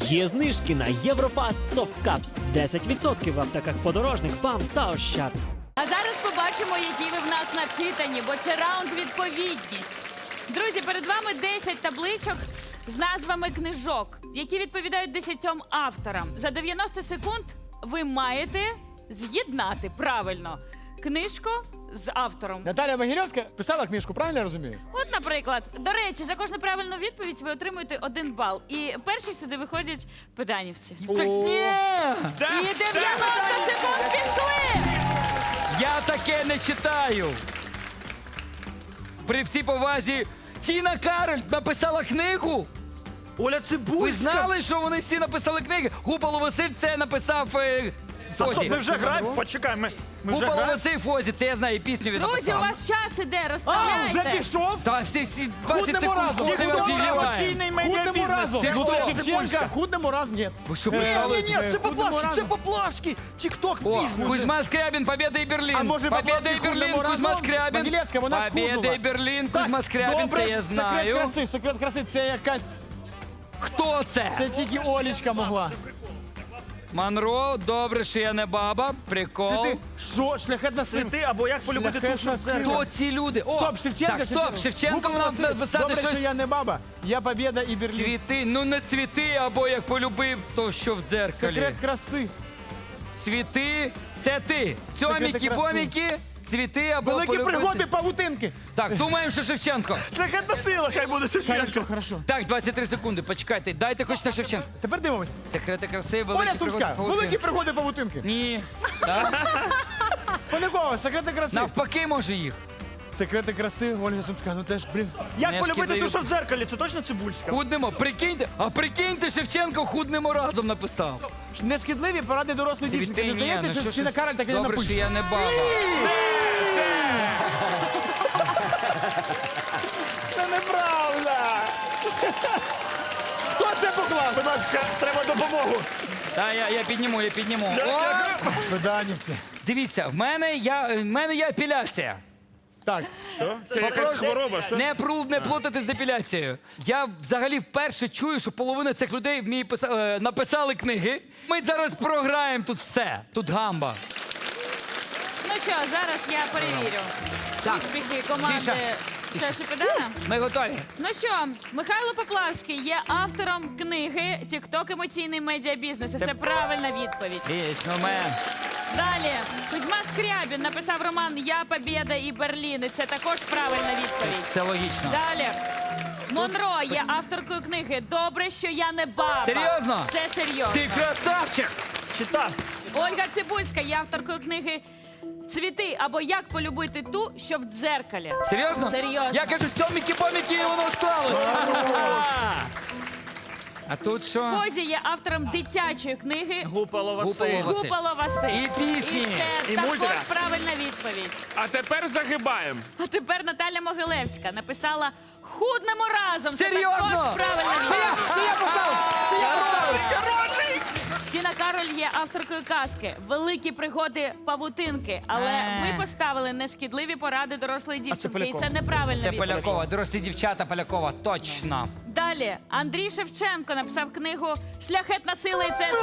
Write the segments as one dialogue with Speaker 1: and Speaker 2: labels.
Speaker 1: Є знижки на Єврофаст Soft Cups. 10% в аптеках Подорожник, ПАМ та Ощад.
Speaker 2: А зараз побачимо, які ви в нас начитані, бо це раунд відповідність. Друзі, перед вами 10 табличок з назвами книжок, які відповідають 10 авторам. За 90 секунд ви маєте з'єднати правильно книжку з автором.
Speaker 3: Наталя Могилевська писала книжку, правильно я розумію?
Speaker 2: От, наприклад, до речі, за кожну правильну відповідь ви отримуєте 1 бал. І перші сюди виходять педанівці.
Speaker 3: Так ні!
Speaker 2: І 90 секунд пішли!
Speaker 4: Я таке не читаю. При всій повазі, Тіна Кароль написала книгу.
Speaker 5: Оля Цибульська.
Speaker 4: Ви знали, що вони всі написали книги? Гупало Василь це написав
Speaker 5: Стоп,
Speaker 4: Фозі.
Speaker 5: ми вже граємо? Почекай, ми вже
Speaker 4: Гупало
Speaker 5: граємо?
Speaker 4: Василь Фозі, це я знаю, і пісню він
Speaker 2: Друзі, у
Speaker 4: написав.
Speaker 2: вас час іде,
Speaker 3: А,
Speaker 2: розставляйте.
Speaker 3: вже пішов?
Speaker 4: Та всі 20
Speaker 3: Худнемо
Speaker 4: секунд.
Speaker 3: разом.
Speaker 4: ходимо,
Speaker 3: Худнемо
Speaker 4: офігіваємо.
Speaker 5: Емоційний
Speaker 3: Худнемо
Speaker 5: медіабізнес.
Speaker 3: разом.
Speaker 4: Це
Speaker 3: Ну,
Speaker 4: хто?
Speaker 3: це
Speaker 5: Цибульська.
Speaker 3: Шевченка. Худнемо разом. Ні.
Speaker 4: Ви що,
Speaker 5: Ні,
Speaker 4: прикалуєтесь?
Speaker 5: ні, це
Speaker 3: Худнемо
Speaker 5: поплашки,
Speaker 3: разом.
Speaker 5: це поплашки. Тік-ток
Speaker 4: О,
Speaker 5: бізнес.
Speaker 4: Кузьма Скрябін, Побєда і Берлін.
Speaker 3: А може,
Speaker 4: Побєда і
Speaker 3: Поплавський
Speaker 4: Берлін,
Speaker 3: худнемо
Speaker 4: Кузьма
Speaker 3: разом?
Speaker 4: Скрябін.
Speaker 3: Могилевська, вона
Speaker 4: Побєда
Speaker 3: схуднула.
Speaker 4: і Берлін, Кузьма Скрябін,
Speaker 3: Добре,
Speaker 4: це я
Speaker 3: секрет
Speaker 4: знаю.
Speaker 3: краси, секрет краси, це якась,
Speaker 4: Хто це?
Speaker 3: це тільки Олічка могла.
Speaker 4: Монро, добре, що я не баба. Прикол.
Speaker 3: Це ти, що, шляхетна сила?
Speaker 5: Цвіти або як полюбити
Speaker 3: Шляхетна
Speaker 5: душу в
Speaker 3: сила.
Speaker 5: зеркало.
Speaker 4: Хто ці люди? О,
Speaker 3: Стоп, Шевченка.
Speaker 4: Так, стоп, Шевченко
Speaker 3: Гупало
Speaker 4: в нас
Speaker 3: Василь.
Speaker 4: написати
Speaker 3: Добре, що
Speaker 4: щось.
Speaker 3: я не баба, я Побєда і Берлін.
Speaker 4: Цвіти, ну не цвіти, або як полюбив, то що в дзеркалі.
Speaker 3: Секрет краси.
Speaker 4: Цвіти, це ти.
Speaker 3: Секрети
Speaker 4: Цьоміки,
Speaker 3: краси.
Speaker 4: поміки, цвіти або
Speaker 3: Великі
Speaker 4: полюбити.
Speaker 3: пригоди павутинки.
Speaker 4: Так, думаємо, що Шевченко.
Speaker 5: Шляхетна сила, хай буде Шевченко.
Speaker 3: Хорошо, хорошо.
Speaker 4: Так, 23 секунди, почекайте, дайте хоч на Шевченко.
Speaker 3: Тепер дивимось.
Speaker 4: Секрети краси,
Speaker 3: Оля
Speaker 4: великі
Speaker 3: Сумська,
Speaker 4: пригоди.
Speaker 3: великі пригоди павутинки.
Speaker 4: Ні.
Speaker 3: Полякова, секрети краси.
Speaker 4: Навпаки, може їх.
Speaker 3: Секрети краси, Ольга Сумська, ну теж, блін.
Speaker 5: Як
Speaker 4: Не
Speaker 5: полюбити
Speaker 4: шкідливі.
Speaker 5: душу в зеркалі? Це точно Цибульська?
Speaker 4: Худнемо, прикиньте, а прикиньте, Шевченко худнемо разом написав.
Speaker 3: Нешкідливі поради дорослої дівчинки. Не
Speaker 4: Ні,
Speaker 3: здається,
Speaker 4: ну
Speaker 3: що
Speaker 4: що
Speaker 3: Тіна
Speaker 4: ж-
Speaker 3: Кароль так і не
Speaker 4: Добре, що
Speaker 3: напише.
Speaker 4: я не баба.
Speaker 3: Це неправда. Хто це поклав?
Speaker 5: Будь ласка, треба допомогу.
Speaker 4: Та я підніму, я підніму. О,
Speaker 3: Педанівці.
Speaker 4: дивіться, в мене є апеляція.
Speaker 3: Так,
Speaker 5: Це якась хвороба, що?
Speaker 4: Не плутати з депіляцією. Я взагалі вперше чую, що половина цих людей написали книги. Ми зараз програємо тут все. Тут гамба.
Speaker 2: Ну що, зараз я перевірю
Speaker 4: Так.
Speaker 2: успіхи команди
Speaker 4: Тиша.
Speaker 2: Саші Педана.
Speaker 4: Ми готові.
Speaker 2: Ну що, Михайло Поплавський є автором книги «Тік-ток. Емоційний медіабізнес». І це правильна відповідь.
Speaker 4: Вічно мен.
Speaker 2: Далі, Кузьма Скрябін написав роман «Я, Побєда і Берлін». І це також правильна відповідь.
Speaker 4: Все логічно.
Speaker 2: Далі. Монро є авторкою книги «Добре, що я не баба».
Speaker 4: Серйозно?
Speaker 2: Це серйозно.
Speaker 4: Ти красавчик!
Speaker 5: Чита.
Speaker 2: Ольга Цибульська є авторкою книги «Цвіти» або «Як полюбити ту, що в дзеркалі».
Speaker 4: Серйозно?
Speaker 2: Серйозно.
Speaker 4: Я кажу, цьоміки-поміки, і воно склалось. А тут що?
Speaker 2: Фозі є автором дитячої книги
Speaker 5: Гупало Василь.
Speaker 4: Гупало Василь.
Speaker 2: «Гупало Василь».
Speaker 4: І пісні.
Speaker 2: І це
Speaker 5: І
Speaker 2: також
Speaker 5: мультика.
Speaker 2: правильна відповідь.
Speaker 6: А тепер загибаємо.
Speaker 2: А тепер Наталя Могилевська написала «Худнемо разом». Це
Speaker 4: Серйозно?
Speaker 2: також правильна відповідь.
Speaker 3: це я поставив! Це я поставив!
Speaker 2: Тіна Кароль є авторкою казки «Великі пригоди павутинки». Але ви поставили нешкідливі поради дорослої дівчинки. І
Speaker 3: Полякова.
Speaker 2: це неправильна
Speaker 4: Це
Speaker 2: відповідь.
Speaker 4: Полякова, дорослі дівчата Полякова, точно.
Speaker 2: Далі Андрій Шевченко написав книгу «Шляхетна сила». І це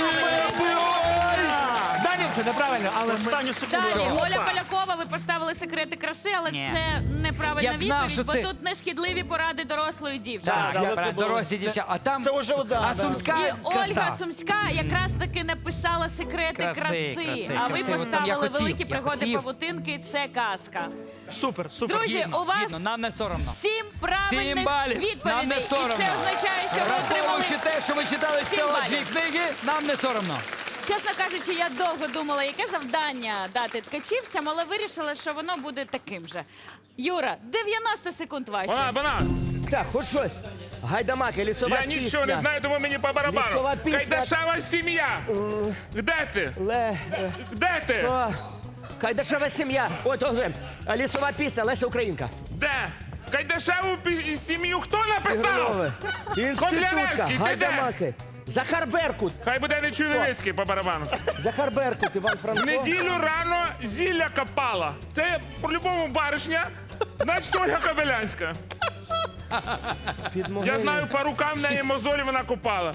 Speaker 3: Данівці, неправильно, але ми...
Speaker 5: Останню секунду.
Speaker 2: далі.
Speaker 5: Опа.
Speaker 2: Оля Полякова, ви поставили секрети краси, але
Speaker 4: Ні.
Speaker 2: це неправильна
Speaker 4: Я знав,
Speaker 2: відповідь,
Speaker 4: що
Speaker 2: бо
Speaker 4: це-
Speaker 2: тут нешкідливі поради дорослої дівчини.
Speaker 4: Так,
Speaker 5: да,
Speaker 4: я
Speaker 5: це
Speaker 4: про
Speaker 5: було-
Speaker 4: дорослі дівчата. А там
Speaker 5: Це вже удар,
Speaker 4: а
Speaker 5: да.
Speaker 4: Сумська
Speaker 2: І Ольга
Speaker 4: краса.
Speaker 2: Сумська якраз таки написала секрети краси.
Speaker 4: Краси,
Speaker 2: А ви
Speaker 4: краси. От там я
Speaker 2: поставили
Speaker 4: хотів,
Speaker 2: великі
Speaker 4: я
Speaker 2: пригоди
Speaker 4: хотів.
Speaker 2: павутинки. Це казка.
Speaker 5: Супер, супер.
Speaker 2: Друзі,
Speaker 4: Гідно,
Speaker 2: у вас
Speaker 4: гідно, нам не соромно.
Speaker 2: 7 правильних
Speaker 4: 7 балів,
Speaker 2: відповідей.
Speaker 4: нам не
Speaker 2: І
Speaker 4: соромно.
Speaker 2: це означає, що ви отримали...
Speaker 4: Враховуючи те, що ви читали
Speaker 2: 7
Speaker 4: всього
Speaker 2: балів.
Speaker 4: 2 книги, нам не соромно.
Speaker 2: Чесно кажучи, я довго думала, яке завдання дати ткачівцям, але вирішила, що воно буде таким же. Юра, 90 секунд ваші.
Speaker 6: Банан.
Speaker 7: Так, хоч щось. Гайдамаки, лісова
Speaker 6: Я
Speaker 7: пісня.
Speaker 6: нічого не знаю, тому мені по барабану.
Speaker 7: Лісова пісня.
Speaker 6: Кайдашева сім'я. Де ти? Де ти?
Speaker 7: Кайдашева сім'я. От, лісова пісня, Леся Українка.
Speaker 6: Де? Кайдашеву сім'ю хто написав?
Speaker 7: Ігорове. Інститутка,
Speaker 6: Котляревський, ти де?
Speaker 7: Гайдамаки. Захар Беркут.
Speaker 6: Хай буде не Чуйновицький по барабану.
Speaker 7: Захар Беркут, Іван
Speaker 6: В
Speaker 7: Франко.
Speaker 6: неділю рано зілля копала. Це по-любому баришня, значить Ольга Кобилянська.
Speaker 7: Під
Speaker 6: Я
Speaker 7: могилою.
Speaker 6: знаю, по рукам в неї мозолі вона копала.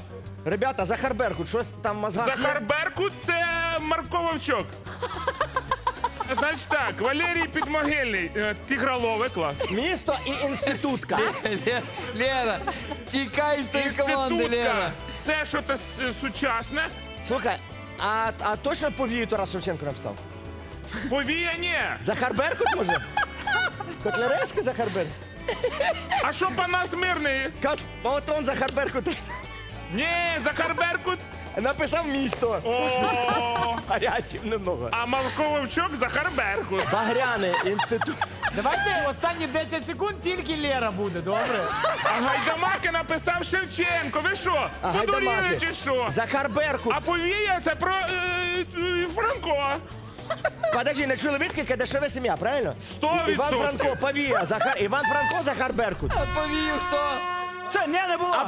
Speaker 7: Ребята, Захар Беркут, щось там в мозгах є?
Speaker 6: Захар Беркут – це Марко Вовчок. Значить так, Валерій Підмогильний, Тигролове, клас.
Speaker 7: Місто і інститутка.
Speaker 4: Лена, тікай з тієї команди,
Speaker 6: Інститутка
Speaker 4: Лена.
Speaker 6: – це щось сучасне.
Speaker 7: Слухай, а точно повію Тарас Шевченко написав?
Speaker 6: Повія ні.
Speaker 7: Захар Беркут, може? Котляревський Захар Беркут?
Speaker 6: А що Панас Мирний?
Speaker 7: От он Захар Беркут
Speaker 6: Ні, Захар Беркут.
Speaker 7: написав місто.
Speaker 6: О,
Speaker 7: Варіантів немного.
Speaker 6: а Марко Вовчок – Захар Беркут.
Speaker 7: Багряний інститут.
Speaker 3: Давайте останні 10 секунд тільки Лера буде, добре?
Speaker 6: А Гайдамаки написав Шевченко. Ви що, подуріли
Speaker 7: Гайдамаки.
Speaker 6: чи що?
Speaker 7: Захар Беркут.
Speaker 6: А повія – це про Франко.
Speaker 7: Подожди, не чоловіцький, дешева сім'я, правильно?
Speaker 6: 100%.
Speaker 7: Іван Франко, повія. Іван Франко, Захар Беркут.
Speaker 4: А повію хто?
Speaker 3: Це не було.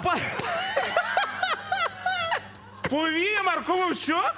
Speaker 6: Повія Марко Вовчок?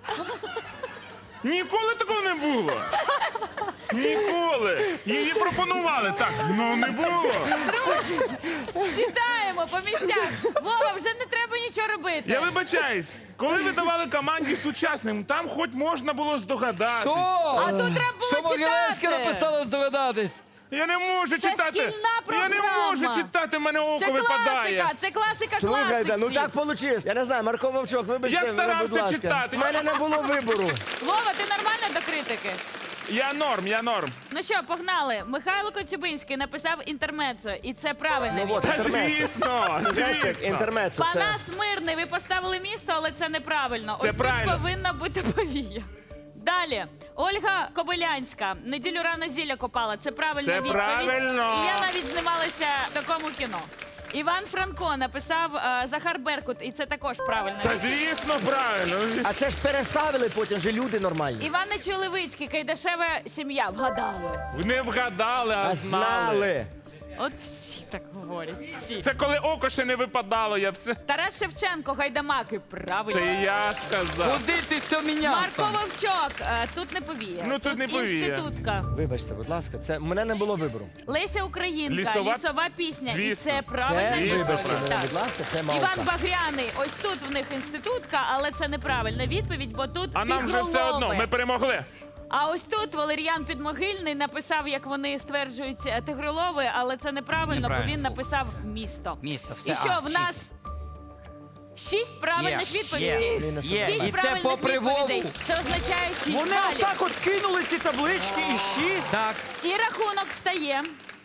Speaker 6: Ніколи такого не було. Ніколи. Її пропонували. Так, ну не було.
Speaker 2: Сідаємо по місцях. Вова, вже не треба нічого робити.
Speaker 6: Я вибачаюсь, коли ви давали команді сучасним, там хоч можна було здогадатись.
Speaker 4: Що?
Speaker 2: А тут треба було
Speaker 4: Що Могилевська
Speaker 2: читати.
Speaker 4: написала здогадатись?
Speaker 6: Я не можу читати.
Speaker 2: шкільна
Speaker 6: Я не
Speaker 2: програма.
Speaker 6: можу читати, в мене око
Speaker 2: Це
Speaker 6: випадає.
Speaker 2: класика, це класика
Speaker 7: Слухайте, ну
Speaker 2: класиків.
Speaker 7: так вийшло. Я не знаю, Марко Вовчок, вибачте,
Speaker 6: Я
Speaker 7: мене,
Speaker 6: старався
Speaker 7: будь ласка.
Speaker 6: читати.
Speaker 7: У мене не було вибору.
Speaker 2: Вова, ти нормально до критики?
Speaker 6: Я норм.
Speaker 2: Ну що, погнали. Михайло Коцюбинський написав інтермецо, і це правильно.
Speaker 7: Ну от,
Speaker 6: Та
Speaker 7: інтермецо.
Speaker 6: звісно,
Speaker 7: Знаєш, як
Speaker 6: звісно.
Speaker 7: інтермецо. Це...
Speaker 2: Панас Мирний, ви поставили місто, але це неправильно.
Speaker 6: Це
Speaker 2: Ось
Speaker 6: правильно.
Speaker 2: тут повинна бути повія. Далі. Ольга Кобилянська. Неділю рано зілля копала. Це правильна
Speaker 6: Це
Speaker 2: відповідь.
Speaker 6: правильно.
Speaker 2: І я навіть знімалася в такому кіно. Іван Франко написав Захар Беркут, і це також правильно.
Speaker 6: Це звісно правильно.
Speaker 7: А це ж переставили потім, вже люди нормальні.
Speaker 2: Іван Чоловицький, Кайдашева сім'я. Вгадали.
Speaker 6: Не вгадали, а
Speaker 7: А
Speaker 6: знали.
Speaker 7: знали.
Speaker 2: От всі так говорять, всі.
Speaker 6: Це коли око ще не випадало, я все.
Speaker 2: Тарас Шевченко, Гайдамаки, правильно.
Speaker 6: Це я сказав.
Speaker 4: Куди ти все міняв?
Speaker 2: Марко
Speaker 4: там?
Speaker 2: Вовчок, тут не повія.
Speaker 6: Ну, тут не повія.
Speaker 2: Інститутка.
Speaker 7: Вибачте, будь ласка, це в мене не було вибору.
Speaker 2: Леся Українка,
Speaker 6: Лісова-
Speaker 2: лісова пісня. І
Speaker 6: Звісно.
Speaker 2: це правильна
Speaker 7: Це,
Speaker 6: Звісно,
Speaker 7: вибачте
Speaker 2: відповідь.
Speaker 7: мене,
Speaker 2: Так.
Speaker 7: будь ласка, це мавка.
Speaker 2: Іван Багряний, ось тут в них інститутка, але це неправильна відповідь, бо тут
Speaker 6: А нам вже все одно,
Speaker 2: тигролови.
Speaker 6: ми перемогли.
Speaker 2: А ось тут Валеріан Підмогильний написав, як вони стверджують, тигролови, але це неправильно, бо
Speaker 4: Неправильно.
Speaker 2: він написав місто.
Speaker 4: Місто, все.
Speaker 2: І що,
Speaker 4: А,
Speaker 2: в нас 6 правильних
Speaker 4: Є,
Speaker 2: відповідей.
Speaker 4: є.
Speaker 2: 6
Speaker 4: І це
Speaker 2: правильних
Speaker 4: попри
Speaker 2: відповідей.
Speaker 4: Вову.
Speaker 2: Це означає 6
Speaker 3: Вони
Speaker 2: балів.
Speaker 3: отак от кинули ці таблички і 6.
Speaker 4: Так.
Speaker 2: І рахунок стає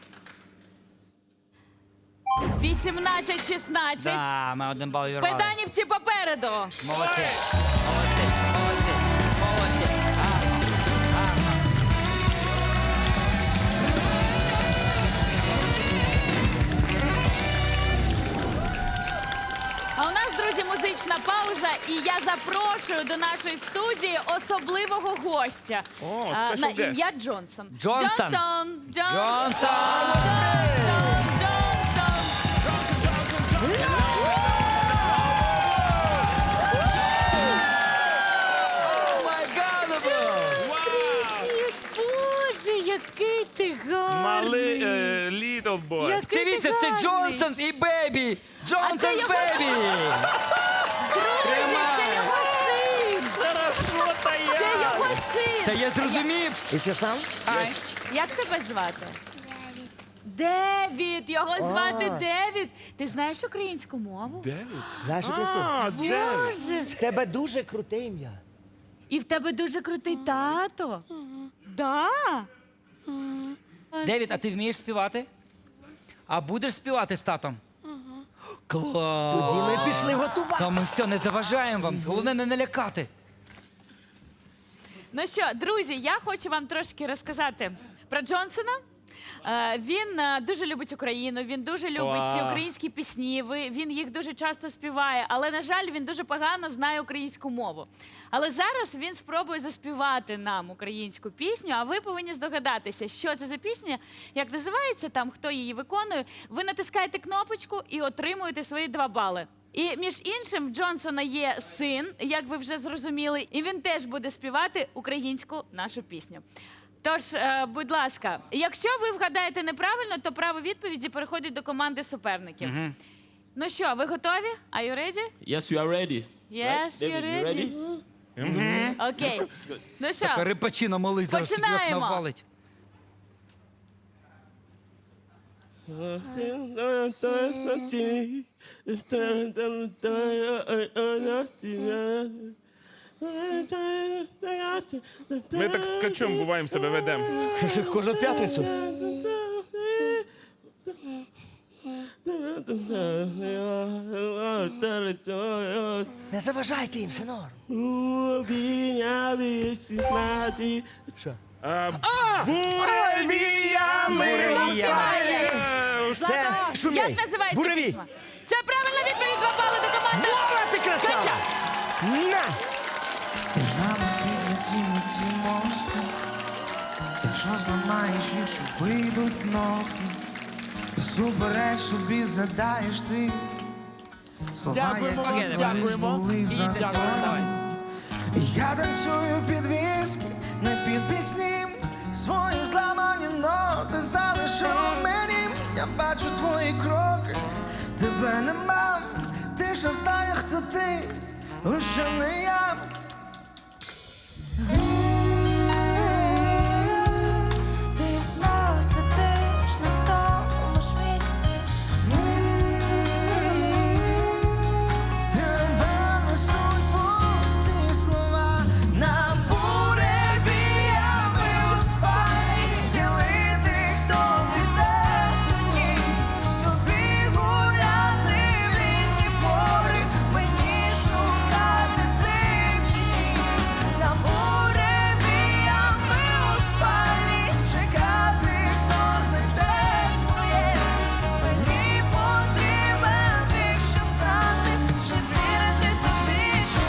Speaker 2: 18-16.
Speaker 4: Да, ми один бал відірвали.
Speaker 2: Педанівці попереду.
Speaker 4: Молодці. Молодці. Молодці. Молодці.
Speaker 2: А у нас, друзі, музична пауза, і я запрошую до нашої студії особливого гостя.
Speaker 6: О,
Speaker 2: на
Speaker 6: special guest.
Speaker 2: ім'я Джонсон.
Speaker 4: Джонсон.
Speaker 2: Джонсон.
Speaker 4: Джонсон. О май гад,
Speaker 2: Боже, який ти гарний.
Speaker 6: Малий little boy.
Speaker 2: Який ти
Speaker 4: Дивіться, це
Speaker 2: гарний.
Speaker 4: Джонсонс і Бебі. Джонсонс
Speaker 2: його
Speaker 4: Бебі.
Speaker 2: Друзі, це його син. Це його син.
Speaker 4: Та я зрозумів.
Speaker 7: І ще сам?
Speaker 4: Ай.
Speaker 2: Як тебе звати? Девід. Його звати Девід. Ти знаєш українську мову?
Speaker 7: Знаєш, українську?
Speaker 6: А, Девід.
Speaker 2: Боже.
Speaker 7: В тебе дуже круте ім'я.
Speaker 2: І в тебе дуже крутий тато. Да?
Speaker 4: Девід, а ти вмієш співати? А будеш співати з татом? Клас.
Speaker 7: Тоді ми пішли готувати.
Speaker 4: Та ми все, не заважаємо вам. Головне не налякати.
Speaker 2: Ну що, друзі, я хочу вам трошки розказати про Джонсона. Він дуже любить Україну, він дуже любить
Speaker 6: Вау.
Speaker 2: українські пісні, він їх дуже часто співає, але, на жаль, він дуже погано знає українську мову. Але зараз він спробує заспівати нам українську пісню, а ви повинні здогадатися, що це за пісня, як називається там, хто її виконує. Ви натискаєте кнопочку і отримуєте свої 2 бали. І, між іншим, в Джонсона є син, як ви вже зрозуміли, і він теж буде співати українську нашу пісню. Тож, будь ласка, якщо ви вгадаєте неправильно, то право відповіді переходить до команди суперників. Ну що, ви готові? Are you ready?
Speaker 8: Yes, we are ready.
Speaker 2: Yes,
Speaker 8: David,
Speaker 2: you're
Speaker 8: you ready?
Speaker 2: Окей. Ну що,
Speaker 4: Рипачина малий зараз під
Speaker 2: Починаємо.
Speaker 4: навалить.
Speaker 6: Ми так з ткачом буваємо себе ведемо.
Speaker 7: Кожну п'ятницю. Не заважайте їм, все норм. Це шумей.
Speaker 2: як називається
Speaker 7: Буровій.
Speaker 2: пісня? Це правильна відповідь, 2 бали до команди.
Speaker 7: Вова, ти красава!
Speaker 2: Кача.
Speaker 7: На!
Speaker 9: Між нами підняті ті мости. Якщо зламаєш їх, що вийдуть ноги. Супереч собі задаєш ти. Слова,
Speaker 3: Дякуємо
Speaker 9: які
Speaker 3: вам,
Speaker 9: колись
Speaker 3: дякуємо.
Speaker 9: були законні. Я танцюю під віскі, не під пісні. Свої зламані ноти залишив мені. Я бачу твої кроки, тебе нема. Ти ж знає, хто ти, лише не я.
Speaker 10: Ти знову сидиш на тому ж місці.
Speaker 9: Тебе несуть пусті слова на буревіями у спальні. Ділити, хто піде тоді. Тобі гуляти в літні пори, мені шукати зимні дні. На буревіями у спальні чекати, хто знайде своє. Мені потрібен вік, щоб знати, чи вірити тобі, чи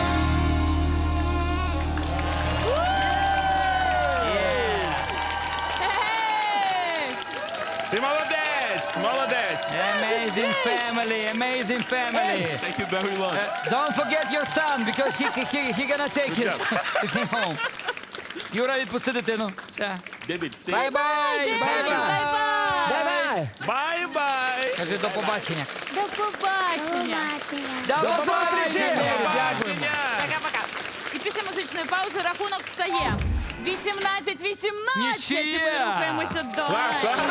Speaker 2: Ей!
Speaker 6: Ти молодець, молодець.
Speaker 4: Amazing family, amazing family.
Speaker 8: Thank you very much.
Speaker 4: Don't forget your son, because he gonna take it home. Юра, відпусти дитину. Все.
Speaker 8: David, say
Speaker 4: Бай-бай, бай-бай.
Speaker 7: Давай!
Speaker 6: Бай-бай.
Speaker 4: Кажи до побачення.
Speaker 2: До побачення.
Speaker 4: До
Speaker 7: побачення.
Speaker 4: Дякуємо.
Speaker 2: Пока-пока. І після музичної паузи рахунок стає 18-18. І ми
Speaker 4: Нічия.
Speaker 2: рухаємося до...
Speaker 6: Клас, клас.